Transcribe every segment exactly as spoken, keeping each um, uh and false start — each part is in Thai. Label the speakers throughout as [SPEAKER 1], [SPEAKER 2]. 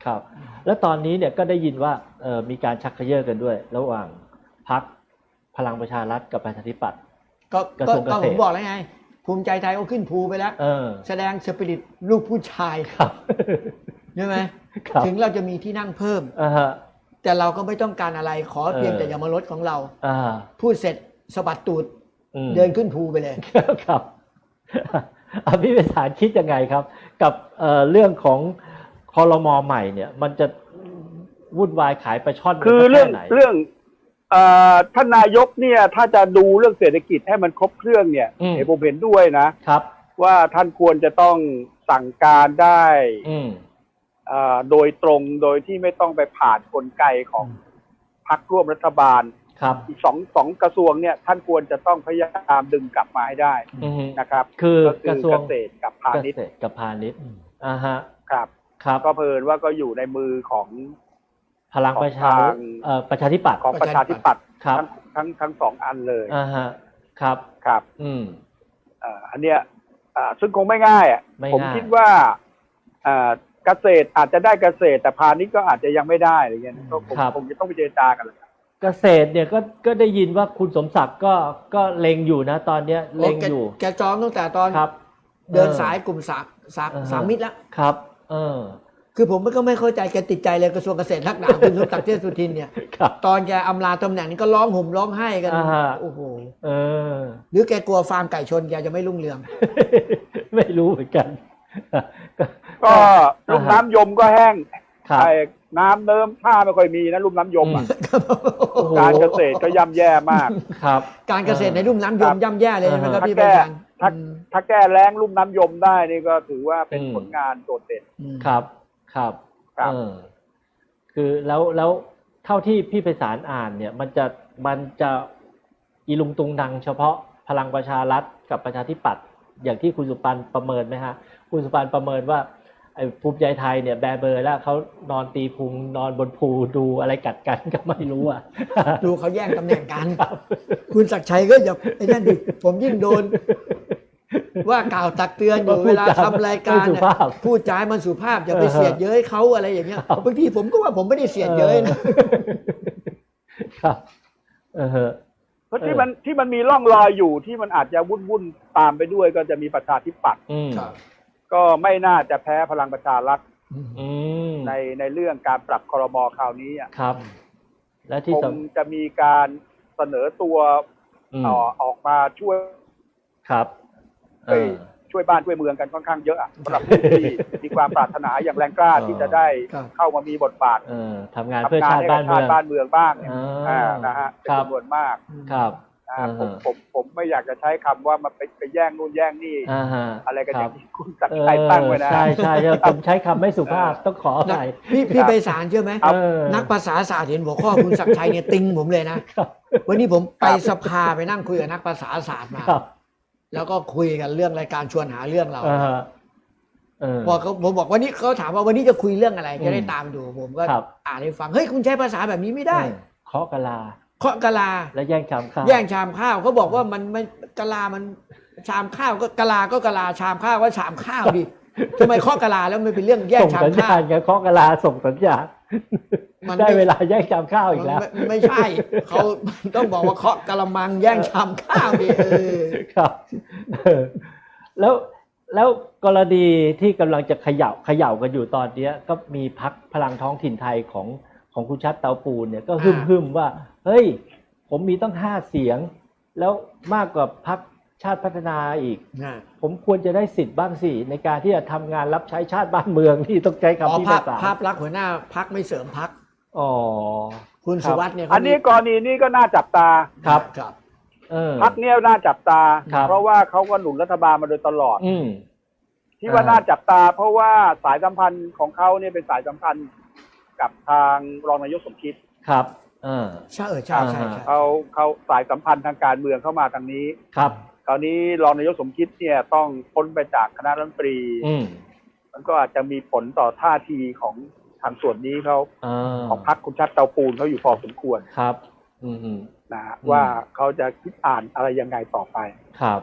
[SPEAKER 1] ครับแล้วตอนนี้เนี่ยก็ได้ยินว่าเออมีการชักเขย่อกันด้วยระหว่างพรรคพลังประชารัฐกับประชาธิปัตย์
[SPEAKER 2] ก็
[SPEAKER 1] กระทรวงเกษตร
[SPEAKER 2] ก็ผมบอกแล้วไงภูมิใจไทยเอาขึ้นภูไปแล้วแสดงสปิริตลูกผู้ชาย
[SPEAKER 1] ครับ
[SPEAKER 2] ใช่ไหมถึงเราจะมีที่นั่งเพิ่มแต่เราก็ไม่ต้องการอะไรขอเพียงแต่อย่ามาลดของเราพูดเสร็จสะบัดตูดเดินขึ้นภูไปเลย
[SPEAKER 1] ครับพี่ไพศาลคิดยังไงครับกับเรื่องของครม.ใหม่เนี่ยมันจะวุ่นวายขายปลาช่อน
[SPEAKER 3] คือเรื่องเรื่องท่านนายกเนี่ยถ้าจะดูเรื่องเศรษฐกิจให้มันครบเครื่องเนี่ยผมเห็นด้วยนะครับว่าท่านควรจะต้องสั่งการได้โดยตรงโดยที่ไม่ต้องไปผ่านกลไกของพรรคร่วมรัฐบาลอีกสองสองกระทรวงเนี่ยท่านควรจะต้องพยายามดึงกลับมาให้ได้นะครับ
[SPEAKER 1] คือกระทรวง
[SPEAKER 3] เกษตรกับพาณิชย์
[SPEAKER 1] กับพาณิชย์อ่าฮะ
[SPEAKER 3] ครับครับก็เพิ่นว่าก็อยู่ในมือของ
[SPEAKER 1] พลังประชาเอ่อประชาธิปัตย์
[SPEAKER 3] ของประชาธิปัตย์
[SPEAKER 1] ทั้
[SPEAKER 3] งทั้งทั้งสองอันเลย
[SPEAKER 1] อ่าฮะครับ
[SPEAKER 3] ครับ
[SPEAKER 1] อืม
[SPEAKER 3] อ่าอันเนี้ยอ่าซึ่งคงไม่ง่ายอ่ะผมคิดว่าอ่าเกษตรอาจจะได้เกษตรแต่พาณิชย์ก็อาจจะยังไม่ได้อะไรเงี้ยก็คงจะต้องไปเจรจากันเลย
[SPEAKER 1] เกษตรเนี่ยก็ก็ได้ยินว่าคุณสมศักดิ์ก็ก็เล็งอยู่นะตอนเนี้ยเล็งอยู่
[SPEAKER 2] แกจองตั้งแต่ตอนเดินสายกลุ่มสามสามสามมิตรแล้ว
[SPEAKER 1] ครับเออ
[SPEAKER 2] คือผมก็ไม่เข้าใจแกติดใจเลยกระทรวงเกษตรนักหนาคุณสมศักดิ์เทพสุทินเนี่ยตอนแกอำลาตำแหน่งนี้ก็ร้องห่มร้องไห้กันโอ้โห
[SPEAKER 1] เออ
[SPEAKER 2] หรือแกกลัวฟาร์มไก่ชนแกจะไม่รุ่งเรือง
[SPEAKER 1] ไม่รู้เหมือนกัน
[SPEAKER 3] ก็ลุ่มน้ำยมก็แห้งไอ้น้ำเนิ่มท่าไม่ค่อยมีนะลุ่มน้ำยมอ่ะการเกษตรก็ย่ำแย่มาก
[SPEAKER 1] ครับ
[SPEAKER 2] การเกษตรในลุ่มน้ำยมย่ำแย่เลยใช่ไหมครับพี่
[SPEAKER 3] ประธานถ้าถ้าแก้แล้งลุ่มน้ำยมได้นี่ก็ถือว่าเป็นผลงานโดดเด่น
[SPEAKER 1] ครับครับเออคือแล้วแล้วเท่าที่พี่ไพศาลอ่านเนี่ยมันจะมันจะอีลุงตุงนังเฉพาะพลังประชารัฐกับประชาธิปัตย์อย่างที่คุณสุปันประเมินไหมฮะคุณสุปันประเมินว่าไอ้ภูมิใจไทยเนี่ยแบเบอร์แล้วเขานอนตีพุงนอนบนภูดูอะไรกัดกันก็ไม่รู้อ่ะ
[SPEAKER 2] ดูเขาแย่งตำแหน่งกันคุณศักดิ์ชัยก็อย่าไอ้นั่นดิผมยิ่งโดนว่ากล่าวตักเตือนอยู่เวลาทำรายการเนี่ยพูดจามันสุภาพอย่าไปเสียดเย้ยเขาอะไรอย่างเงี้ยบางทีผมก็ว่าผมไม่ได้เสียดเย้ย
[SPEAKER 1] นะครับเออ
[SPEAKER 3] เพราะที่มันที่มันมีร่องรอยอยู่ที่มันอาจจะวุ่นวุ่นตามไปด้วยก็จะมีประชาธิปัตย์ก็ไม่น่าจะแพ้พลังประชารัฐในในเรื่องการปรับครม.คราวนี้
[SPEAKER 1] ครับและที่
[SPEAKER 3] คงจะมีการเสนอตัวออกมาช่วย
[SPEAKER 1] ครับ
[SPEAKER 3] ช่วยบ้านช่วยเมืองกันค่อนข้างเยอะสำหรับผู้ที่มีความปรารถนาอย่างแรงกล้าที่จะได้เข้ามามีบทบาท
[SPEAKER 1] ทำงานเพื่อชาติบ้านเมือง
[SPEAKER 3] บ้านเมืองบ้างนะฮะเป็นจำนวนมาก
[SPEAKER 1] ครับ
[SPEAKER 3] ผมผมผมไม่อยากจะใช้คำว่ามันไปไปแย่งนู่นแย่งนี่อะไรกันอย่างที่คุณศักดิ์ชัยตั้งไว้นะ
[SPEAKER 1] ใช่ใช่ผมใช้คำไม่สุภาพต้องขอหน่อย
[SPEAKER 2] พี่พี่ไปศาลเชื่อไหมนักภาษาศาสตร์เห็นหัวข้อคุณศักดิ์ชัยเนี่ยติงผมเลยนะวันนี้ผมไปสภาไปนั่งคุยกับนักภาษาศาสตร์มาแล้วก็คุยกันเรื่องรายการชวนหาเรื่องเราพอเขาผมบอกวันนี้เขาถามว่าวันนี้จะคุยเรื่องอะไรจะได้ตามดูผมก็อ่านให้ฟังเฮ้ยคุณใช้ภาษาแบบนี้ไม่ได้
[SPEAKER 1] เคาะกะลา
[SPEAKER 2] เคาะกะลา
[SPEAKER 1] แล้วแย่งชามข้าว
[SPEAKER 2] แย่งชามข้าวเขาบอกว่ามันไม่กะลามันชามข้าวก็กะลาก็กะลาชามข้าวก็ชามข้าวดิทำไมเคาะกะลาแล้วมันเป็นเรื่องแย่งชามข้าวส่งสัญญาณ
[SPEAKER 1] ไงเคาะกะลาส่งสัญญาณได้เวลาแย่งชามข้าวอีกแล้ว
[SPEAKER 2] ไม่ใช่เขาต้องบอกว่าเคาะกะละมังแย่งชามข้าวดิเออ
[SPEAKER 1] ครับแล้วแล้วกรณีที่กำลังจะเขย่าเขย่ากันอยู่ตอนนี้ก็มีพรรคพลังท้องถิ่นไทยของของคุณชัดเตาปูนเนี่ยก็หึ่มหึ่มว่าเฮ้ยผมมีตั้งห้าเสียงแล้วมากกว่าพรรคชาติพัฒนาอีกผมควรจะได้สิทธิ์บ้างสิในการที่จะทำงานรับใช้ชาติบ้านเมืองที่ต้องใช้คำที่ภาษา
[SPEAKER 2] ภาพลักษณ์หัวหน้าพรรคไม่เสริมพรรค
[SPEAKER 1] อ๋อ
[SPEAKER 2] คุณสุวัฒน์เนี่ย
[SPEAKER 3] อันนี้กรณีนี้ก็น่าจับตา
[SPEAKER 1] ครับ
[SPEAKER 2] ครับ
[SPEAKER 3] พรรคเนี่ยน่าจับตาเพราะว่าเขาก็หนุนรัฐบาลมาโดยตลอดที่ว่าน่าจับตาเพราะว่าสายสัมพันธ์ของเขาเนี่ยเป็นสายสัมพันธ์กับทางรองนายกสมคิด
[SPEAKER 1] ครับ
[SPEAKER 2] เออใช่เออใช่ใช่
[SPEAKER 3] เขาเขาสายสัมพันธ์ทางการเมืองเข้ามาทางนี้
[SPEAKER 1] ครับ
[SPEAKER 3] คราวนี้รองนายกสมคิดเนี่ยต้องพ้นไปจากคณะรัฐมนตรีมันก็อาจจะมีผลต่อท่าทีของทางส่วนนี้เขาของพรรคคุณชัดเตาปูนเขาอยู่พอสมควร
[SPEAKER 1] ครับ
[SPEAKER 3] นะว่าเขาจะคิดอ่านอะไรยังไงต่อไป
[SPEAKER 1] ครับ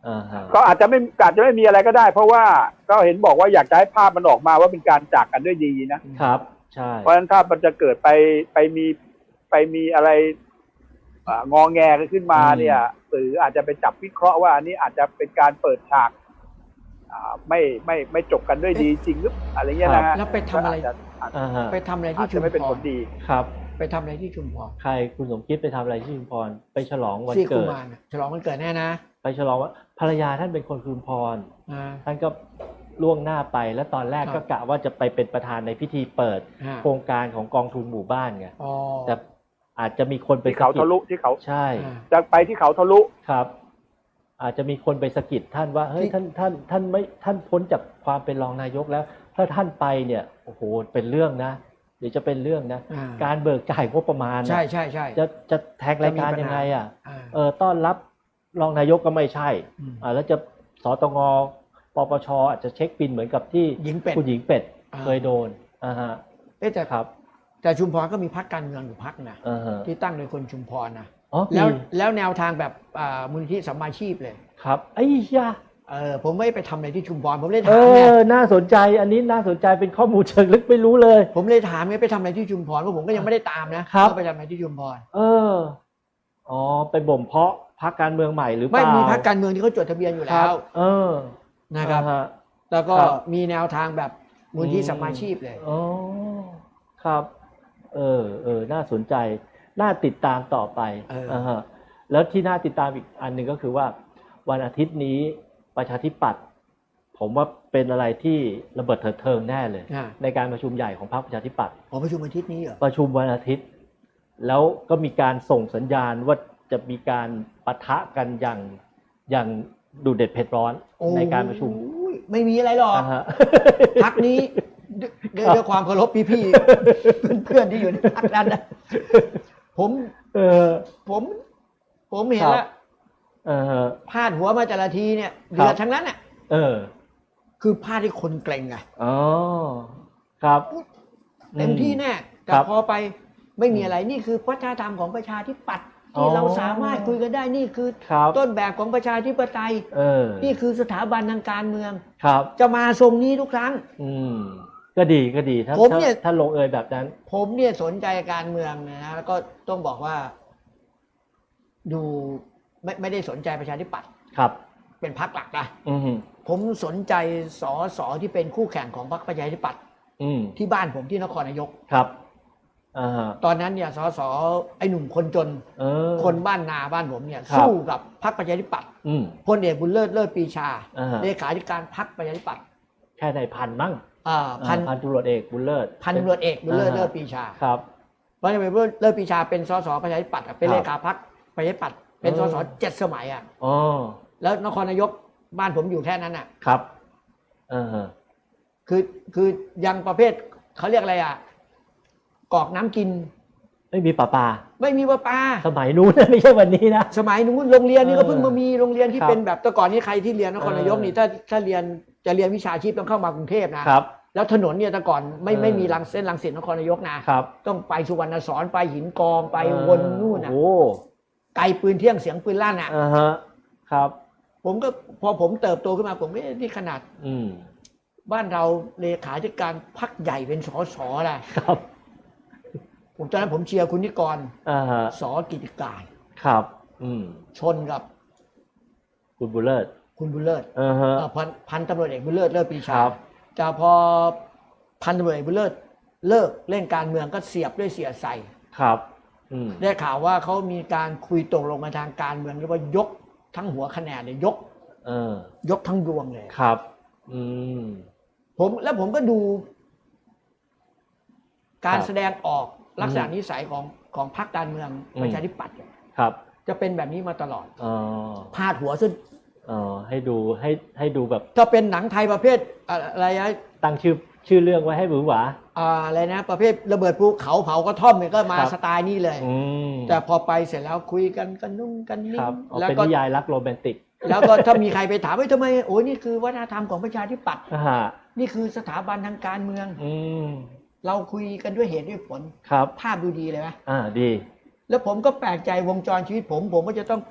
[SPEAKER 1] อ่าฮะ
[SPEAKER 3] ก็อาจจะไม่อาจจะไม่มีอะไรก็ได้ เพราะว่าก็เห็นบอกว่าอยากจะให้ภาพมันออกมาว่าเป็นการจากกันด้วยดีนะครับ
[SPEAKER 1] ใช่
[SPEAKER 3] เพราะฉะนั้นถ้ามันจะเกิดไปไปมีไปมีอะไรอ่างอแงกันขึ้นมาเนี่ยสื่ออาจจะไปจับวิเคราะห์ว่าอันนี้อาจจะเป็นการเปิดฉากอ่าไม่ไม่ไม่จบกันด้วยดีจริงหรืออะไรเงี้ยนะฮะ
[SPEAKER 2] แล้วไปทำอะไร
[SPEAKER 3] ก็าจจะอาจ
[SPEAKER 1] อ่าฮะ
[SPEAKER 2] ไปทำอะไร
[SPEAKER 3] อา
[SPEAKER 2] ที่
[SPEAKER 3] จ
[SPEAKER 2] ชุ
[SPEAKER 3] จะ
[SPEAKER 2] ม
[SPEAKER 3] ไม่เป็น
[SPEAKER 2] พ
[SPEAKER 3] ผ
[SPEAKER 2] ร
[SPEAKER 3] ลดี
[SPEAKER 1] ครับ
[SPEAKER 2] ไปทำอะไรที่ชุมพร
[SPEAKER 1] ใครคุณสมคิดไปทำอะไรที่ชุมพรไปฉลองวัน
[SPEAKER 2] ซี่กุ
[SPEAKER 1] เกิด
[SPEAKER 2] มารน่ะฉลองวันเกิดแน่นะ
[SPEAKER 1] ไปฉลองว่าภรรยาท่านเป็นคนชุมพร
[SPEAKER 2] อ่า
[SPEAKER 1] ท่านก็ล่วงหน้าไปแล้วตอนแรก
[SPEAKER 2] ครั
[SPEAKER 1] ก็
[SPEAKER 2] บ
[SPEAKER 1] กะว่าจะไปเป็นประธานในพิธีเปิด
[SPEAKER 2] อ่า
[SPEAKER 1] โครงการของกองทุนหมู่บ้านไง
[SPEAKER 2] อ๋อ
[SPEAKER 1] แต่อาจจะมีคนไป
[SPEAKER 3] ที่เขา
[SPEAKER 1] สะกิด
[SPEAKER 3] ทะลุที่เขา
[SPEAKER 1] ใช่
[SPEAKER 2] อ่า
[SPEAKER 3] จะไปที่เขาทะลุ
[SPEAKER 1] ครับ อาจจะมีคนไปสะกิดท่านว่าเฮ้ย
[SPEAKER 2] ที่
[SPEAKER 1] ท่านท่านท่านไม่ท่านพ้นจากความเป็นรองนายกแล้ว ถ้าท่านไปเนี่ยโอ้โหเป็นเรื่องนะเดี๋ยวจะเป็นเรื่องนะ
[SPEAKER 2] อ่า
[SPEAKER 1] การเบิกจ่ายงบประมาณน่ะ
[SPEAKER 2] ใช่ใช่ใช่
[SPEAKER 1] จะจะแทงรายการ
[SPEAKER 2] จะมีปัญหายั
[SPEAKER 1] ยังไงอ่ะ
[SPEAKER 2] อ่า
[SPEAKER 1] เออต้อนรับรองนายกก็ไม่ใช่
[SPEAKER 2] อืม
[SPEAKER 1] อ่าแล้วจะสตงปปชอาจจะเช็คบินเหมือนกับที่
[SPEAKER 2] หญิงเป็ด
[SPEAKER 1] คุณหญิงเป็ด
[SPEAKER 2] อ่า
[SPEAKER 1] เคยโดนอ่าฮะ
[SPEAKER 2] เอ๊ะแต่
[SPEAKER 1] ครับ
[SPEAKER 2] แต่ชุมพรก็มีพรรคการเมืองอยู่พรรคนะ
[SPEAKER 1] อ่าฮะ
[SPEAKER 2] ที่ตั้งโดยคนชุมพรนะ
[SPEAKER 1] อ๋อ
[SPEAKER 2] แล้ว
[SPEAKER 1] มี
[SPEAKER 2] แล้วแนวทางแบบอ่ามูลนิธิสัมมาชีพเลย
[SPEAKER 1] ครับไอ้ยา
[SPEAKER 2] เออผมไม่ไปทำอะไรที่ชุมพรผมเลย
[SPEAKER 1] เอ
[SPEAKER 2] ถามไง
[SPEAKER 1] อน่าสนใจอันนี้น่าสนใจเป็นข้อมูลเชิงลึกไม่รู้เลย
[SPEAKER 2] ผมเลยถามไงไปทำอะไรที่ชุมพรเพราะผมก็ยังไม่ได้ตามนะครับ ว่าไปทำอะไรที่ชุมพร
[SPEAKER 1] เอออ๋อไปบ่มเพาะพรรคการเมืองใหม่หรือเป
[SPEAKER 2] ไม่
[SPEAKER 1] ล่า
[SPEAKER 2] มีพรรคการเมืองที่เขาจดทะเบียนอยู่
[SPEAKER 1] ค
[SPEAKER 2] แล้
[SPEAKER 1] รับ
[SPEAKER 2] ว
[SPEAKER 1] เออ
[SPEAKER 2] นะครับ
[SPEAKER 1] อ่าฮะ
[SPEAKER 2] แล้วก็
[SPEAKER 1] ครับ
[SPEAKER 2] มีแนวทางแบบมูลที่สัมมาชีพเลย
[SPEAKER 1] อ๋อครับ เออเออน่าสนใจ น่าติดตามต่อไป
[SPEAKER 2] เอออ่
[SPEAKER 1] าฮะแล้วที่น่าติดตามอีกอันหนึ่งก็คือว่า วันอาทิตย์นี้ประชาธิปัตย์ผมว่าเป็นอะไรที่ระเบิดเถิดเทิงแน่เลย
[SPEAKER 2] อ่า
[SPEAKER 1] ในการประชุมใหญ่ของพรรคประชาธิปัตย์
[SPEAKER 2] อ๋อประชุมอาทิตย์นี้เหรอ
[SPEAKER 1] ประชุมวันอาทิตย์ แล้วก็มีการส่งสัญญาณว่าจะมีการปะทะกันอย่างอย่างดูเด็ดเผ็ดร้อน
[SPEAKER 2] โอ้
[SPEAKER 1] ในการประชุม
[SPEAKER 2] ยไม่มีอะไรหรอก
[SPEAKER 1] อ่าฮะ
[SPEAKER 2] พักนี้ด้วยด้วยด้วยความเคารพพี่ๆ เพื่อนๆที่อยู่ในพักนั้นนะผม
[SPEAKER 1] เออ
[SPEAKER 2] ผม ผมเห็น
[SPEAKER 1] ครับ
[SPEAKER 2] แล้ว
[SPEAKER 1] เออ
[SPEAKER 2] พาดหัวมาแต่ละทีเนี่ย
[SPEAKER 1] ครั
[SPEAKER 2] เดือบ ดทั้งนั้นน่ะ
[SPEAKER 1] เออ
[SPEAKER 2] คือพาดให้คนเกรงไง
[SPEAKER 1] อ๋อครับ
[SPEAKER 2] เต็มที่แน่แต่
[SPEAKER 1] ครับ
[SPEAKER 2] พอไปไม่มีอะไรนี่คือวัฒนธรรมของประชาธิปัตย์ที่
[SPEAKER 1] อ๋อ
[SPEAKER 2] เราสามารถคุยกันได้นี่คือ
[SPEAKER 1] ครับ
[SPEAKER 2] ต้นแบบของประชาธิปไตย
[SPEAKER 1] เออ
[SPEAKER 2] นี่คือสถาบันทางการเมือง
[SPEAKER 1] ครับ
[SPEAKER 2] จะมาทรงนี้ทุกครั้ง
[SPEAKER 1] อืม ก็ดีก็ดีถ้า
[SPEAKER 2] ผม
[SPEAKER 1] ถ้า
[SPEAKER 2] เนี่ย
[SPEAKER 1] ถ้าลงเอยแบบนั้น
[SPEAKER 2] ผมเนี่ยสนใจการเมืองนะแล้วก็ต้องบอกว่า ดูไม่ไม่ได้สนใจประชาธิปัตย์
[SPEAKER 1] ครับ
[SPEAKER 2] เป็นพรรคหลักนะ
[SPEAKER 1] อืม
[SPEAKER 2] ผมสนใจสอสอที่เป็นคู่แข่งของพรรคประชาธิปัตย์
[SPEAKER 1] อืม
[SPEAKER 2] ที่บ้านผมที่นครนายก
[SPEAKER 1] ครับอ่าฮะ
[SPEAKER 2] ตอนนั้นเนี่ยสอสอไอ้หนุ่มคนจน
[SPEAKER 1] เออ
[SPEAKER 2] คนบ้านนาบ้านผมเนี่ย
[SPEAKER 1] ครับ
[SPEAKER 2] สู้กับพรรคประชาธิปัตย์
[SPEAKER 1] อืม
[SPEAKER 2] พลเอกบุญเลิศเลิศปรีชา
[SPEAKER 1] อ่าฮะ
[SPEAKER 2] เลขาธิการพรรคประชาธิปัตย์
[SPEAKER 1] แค่ในพันมั้ง
[SPEAKER 2] อ่าพัน
[SPEAKER 1] อ่าพันตำรวจเอกบุญเลิศ
[SPEAKER 2] พันตำรวจเอกบุญเลิศเลิศปรีชา
[SPEAKER 1] ครับ
[SPEAKER 2] เพราะฉะนั้นเลิศปรีชาเป็นสสประชาธิปัตย์อะเป็น
[SPEAKER 1] ครับ
[SPEAKER 2] เลขาพรรคประชาธิปัตย์เป็น
[SPEAKER 1] เอ
[SPEAKER 2] ส
[SPEAKER 1] อ
[SPEAKER 2] สเจ็ดสมัยอ่ะ
[SPEAKER 1] อ๋อ
[SPEAKER 2] แล้วนครนายกบ้านผมอยู่แค่นั้นอ่ะ
[SPEAKER 1] ครับเออฮะ
[SPEAKER 2] คือคือยังประเภทเขาเรียกอะไรอ่ะกรอกน้ำกิน
[SPEAKER 1] ไม่มีป่าปลา
[SPEAKER 2] ไม่มีประปา
[SPEAKER 1] สมัยนู้นนะไม่ใช่วันนี้นะ
[SPEAKER 2] สมัยนู้นโรงเรียนนี่ก็
[SPEAKER 1] เออ
[SPEAKER 2] เพิ่งมามีโรงเรียนที่
[SPEAKER 1] ครับ
[SPEAKER 2] เป็นแบบแต่ก่อนนี้ใครที่เรียนนครนายก
[SPEAKER 1] เออ
[SPEAKER 2] นี่ถ้าถ้าเรียนจะเรียนวิชาชีพต้องเข้ามากรุงเทพนะครับ แล้วถนนเนี่ยแต่ก่อนไม่
[SPEAKER 1] เออ
[SPEAKER 2] ไม่มีรังเส้นรังสิตนครนายกนะครับ ต้องไปสุวรรณสอนไปหินกองไปวนนู่นน่ะ
[SPEAKER 1] โอ้
[SPEAKER 2] ไกลปืนเที่ยงเสียงปืนลั่นอ่ะ
[SPEAKER 1] อ่าฮะครับ
[SPEAKER 2] ผมก็พอผมเติบโตขึ้นมาผมก็เอ๊ะนี่ขนาด
[SPEAKER 1] อืม
[SPEAKER 2] บ้านเราเลขาธิการพรรคใหญ่เป็นสสนะครับ ผมตอนนั้นผมเชียร์คุณนิกร
[SPEAKER 1] อ่าฮะ
[SPEAKER 2] สกิติการ
[SPEAKER 1] ครับ อืม
[SPEAKER 2] ชนกับ
[SPEAKER 1] คุณบุญเลิศ
[SPEAKER 2] คุณบุญเลิศ
[SPEAKER 1] อ่าฮะ
[SPEAKER 2] เอ่อพันพันตำรวจเอกบุญเลิศเลิศปรี
[SPEAKER 1] ค
[SPEAKER 2] ชา
[SPEAKER 1] รับ
[SPEAKER 2] แต่พอพันตำรวจเอกบุญเลิศเลิกเล่นการเมืองก็เสียบด้วยเสียใส่
[SPEAKER 1] ครับ อืม
[SPEAKER 2] ได้ข่าวว่าเขามีการคุยตกลงมาทางการเมืองเรียกว่ายกทั้งหัวคะแนนเลยยก
[SPEAKER 1] เออ
[SPEAKER 2] ยกทั้งดวงเลย
[SPEAKER 1] ครับ อืม
[SPEAKER 2] ผมแล้วผมก็ดู การ
[SPEAKER 1] ครับ
[SPEAKER 2] แสดงออกลักษณะ
[SPEAKER 1] อืม
[SPEAKER 2] นิสัยของของพรรคการเมือง
[SPEAKER 1] อืม
[SPEAKER 2] ประชาธิปัตย์เนี่ย
[SPEAKER 1] ครับ
[SPEAKER 2] จะเป็นแบบนี้มาตลอด
[SPEAKER 1] อ๋อ
[SPEAKER 2] พาดหัวซึ่ง
[SPEAKER 1] อ๋อให้ดูให้ให้ดูแบบ
[SPEAKER 2] ถ้าเป็นหนังไทยประเภทอะไรนะ
[SPEAKER 1] ตั้งชื่อชื่อเรื่องไว้ให้หวือหวา
[SPEAKER 2] อ่าอะไรนะ ประเภทระเบิดภูเขาเผากระท่อมเนี่ยก็มา
[SPEAKER 1] ครับ
[SPEAKER 2] สไตล์นี้เลย
[SPEAKER 1] อืม
[SPEAKER 2] แต่พอไปเสร็จแล้วคุยกันกันนุ่งกันนิ่
[SPEAKER 1] ค
[SPEAKER 2] ง
[SPEAKER 1] รับเอา
[SPEAKER 2] แล้ว
[SPEAKER 1] เป็น
[SPEAKER 2] ก็
[SPEAKER 1] นิยายรักโรแมนติก
[SPEAKER 2] แล้วก็ถ้ามีใครไปถามว่าทำไมโอ้ยนี่คือวัฒนธรรมของประชาธิปัตย์
[SPEAKER 1] อ่าฮะ
[SPEAKER 2] นี่คือสถาบันทางการเมือง
[SPEAKER 1] อืม
[SPEAKER 2] เราคุยกันด้วยเหตุด้วยผล
[SPEAKER 1] ครับ
[SPEAKER 2] ภาพดูดีเลยไหม
[SPEAKER 1] อ่าดี
[SPEAKER 2] แล้วผมก็แปลกใจวงจรชีวิตผม ผมก็จะต้องไป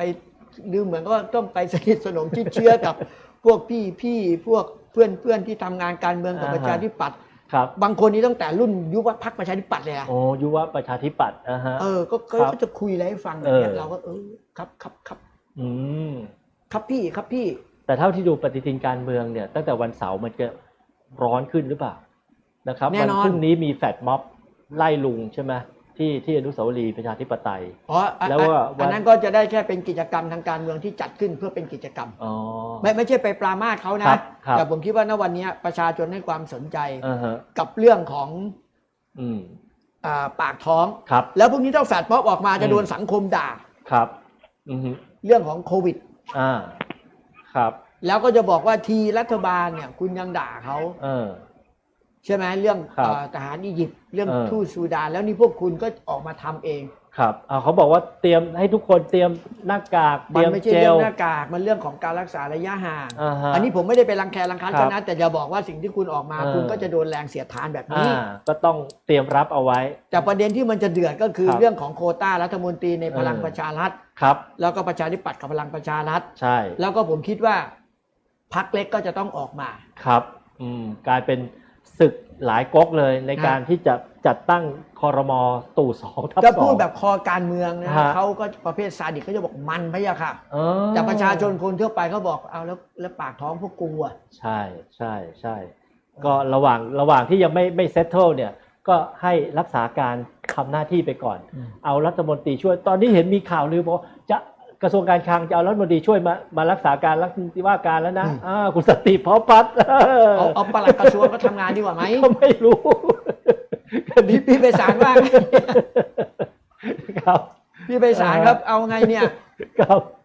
[SPEAKER 2] ดูเหมือนก็ต้องไปสนิทสนมชิดเชื้อกับ พวกพี่พี่พวกเพื่อนเพื่อนที่ทำงานการเมืองกับประชาธิปัตย์
[SPEAKER 1] ครับ
[SPEAKER 2] บางคนนี่ตั้งแต่รุ่นยุวพรรคประชาธิปัตย์เลยอะ
[SPEAKER 1] โอ้ยุวประชาธิปัตย์อ่าฮะ
[SPEAKER 2] เออก็ก็
[SPEAKER 1] ครับ
[SPEAKER 2] ก็จะคุยอะไรให้ฟังอย่างเงี้ย
[SPEAKER 1] เออ
[SPEAKER 2] เราก็เออครับครับครับ
[SPEAKER 1] อืม
[SPEAKER 2] ครับพี่ครับพี่
[SPEAKER 1] แต่เท่าที่ดูปฏิทินการเมืองเนี่ยตั้งแต่วันเสาร์มันจะร้อนขึ้นหรือเปล่านะครับ
[SPEAKER 2] แน่
[SPEAKER 1] วัน
[SPEAKER 2] นอน
[SPEAKER 1] พรุ่งนี้มีแฟลตม็อบไล่ลุงใช่ไหมที่ที่อนุสาวรีย์ประชาธิปไตย
[SPEAKER 2] อ๋ออ่ะ
[SPEAKER 1] แล้วว่า
[SPEAKER 2] อันนั้นก็จะได้แค่เป็นกิจกรรมทางการเมืองที่จัดขึ้นเพื่อเป็นกิจกรรม
[SPEAKER 1] อ๋อ
[SPEAKER 2] ไม่ไม่ใช่ไปปรามาสเขา
[SPEAKER 1] ครั
[SPEAKER 2] นะ
[SPEAKER 1] บครับ
[SPEAKER 2] แต่ผมคิดว่าณวันนี้ประชาชนให้ความสนใจ
[SPEAKER 1] อ่าฮะ
[SPEAKER 2] กับเรื่องของ
[SPEAKER 1] อืม
[SPEAKER 2] อ่าปากท้อง
[SPEAKER 1] ครับ
[SPEAKER 2] แล้วพวกนี้ถ้าแฟดป๊อปออกมาจะโดนสังคมด่า
[SPEAKER 1] ครับอืมฮึ
[SPEAKER 2] เรื่องของโควิด
[SPEAKER 1] อ่าครับ
[SPEAKER 2] แล้วก็จะบอกว่าทีรัฐบาลเนี่ยคุณยังด่าเขา
[SPEAKER 1] เออ
[SPEAKER 2] ใช่ไหมเรื่อง
[SPEAKER 1] ครับ
[SPEAKER 2] เอ่อทหารอียิปต์เรื่อง
[SPEAKER 1] เออ
[SPEAKER 2] ทูตซูดาน แล้วนี่พวกคุณก็ออกมาทำเอง
[SPEAKER 1] ครับอ่าเขาบอกว่าเตรียมให้ทุกคนเตรียมหน้ากากเต
[SPEAKER 2] มั
[SPEAKER 1] รี
[SPEAKER 2] น
[SPEAKER 1] ยม
[SPEAKER 2] ไม่ใช่
[SPEAKER 1] เจ
[SPEAKER 2] เรื่อ
[SPEAKER 1] ล
[SPEAKER 2] งหน้ากากมันเรื่องของการรักษาระยะห่าง
[SPEAKER 1] อ่าฮะ
[SPEAKER 2] อันนี้ผมไม่ได้ไปรังแครังคัน
[SPEAKER 1] ครับ
[SPEAKER 2] เขานะแต่จะบอกว่าสิ่งที่คุณออกมา
[SPEAKER 1] เออ
[SPEAKER 2] คุณก็จะโดนแรงเสียดทานแบบ
[SPEAKER 1] อ่า
[SPEAKER 2] นี้
[SPEAKER 1] ก็ต้องเตรียมรับเอาไว้
[SPEAKER 2] แต่ประเด็นที่มันจะเดือดก็คือ
[SPEAKER 1] ครับ
[SPEAKER 2] เรื่องของโควต้ารัฐมนตรีในพลัง
[SPEAKER 1] เออ
[SPEAKER 2] ประชารัฐ
[SPEAKER 1] ครับ
[SPEAKER 2] แล้วก็ประชาธิปัตย์กับพลังประชารัฐ
[SPEAKER 1] ใช่
[SPEAKER 2] แล้วก็ผมคิดว่าพรรคเล็กก็จะต้องออกมา
[SPEAKER 1] ครับอืมกลายเป็นศึกหลายก๊กเลยใน
[SPEAKER 2] ฮะ
[SPEAKER 1] การที่จะจัดตั้งคอรมอตู่สองทับ
[SPEAKER 2] จะ
[SPEAKER 1] สอ
[SPEAKER 2] พูด
[SPEAKER 1] ง
[SPEAKER 2] แบบคอการเมืองนะ
[SPEAKER 1] ฮะ
[SPEAKER 2] เขาก็ประเภทซาดิสเขาจะบอกมันพะยะค่ะ
[SPEAKER 1] เออ
[SPEAKER 2] แต่ประชาชนคนทั่วไปเขาบอกเอาแล้วแล้วปากท้องพวกกูอ่ะ
[SPEAKER 1] ใช่ใช่ใช่ก็ระหว่างระหว่างที่ยังไม่ไม่เซตเทิลเนี่ยก็ให้รักษาการทำหน้าที่ไปก่อน
[SPEAKER 2] อืม
[SPEAKER 1] เอารัฐมนตรีช่วยตอนนี้เห็นมีข่าวลือบอกว่าจะกระทรวงการคลังจะเอารัฐมนตรีช่วยมามารักษาการรัฐมนตรีว่าการแล้วนะอ่าคุณสนติพร้อมพัฒน์
[SPEAKER 2] เอาเอาปลัดกระทรวงก็ทำงานดีกว่าไหม
[SPEAKER 1] ก็ไม่รู้
[SPEAKER 2] พี่พี่ไปศาลว่าไง
[SPEAKER 1] ครับ
[SPEAKER 2] พี่ไปศาลครับเอาไงเนี่ย
[SPEAKER 1] ครับ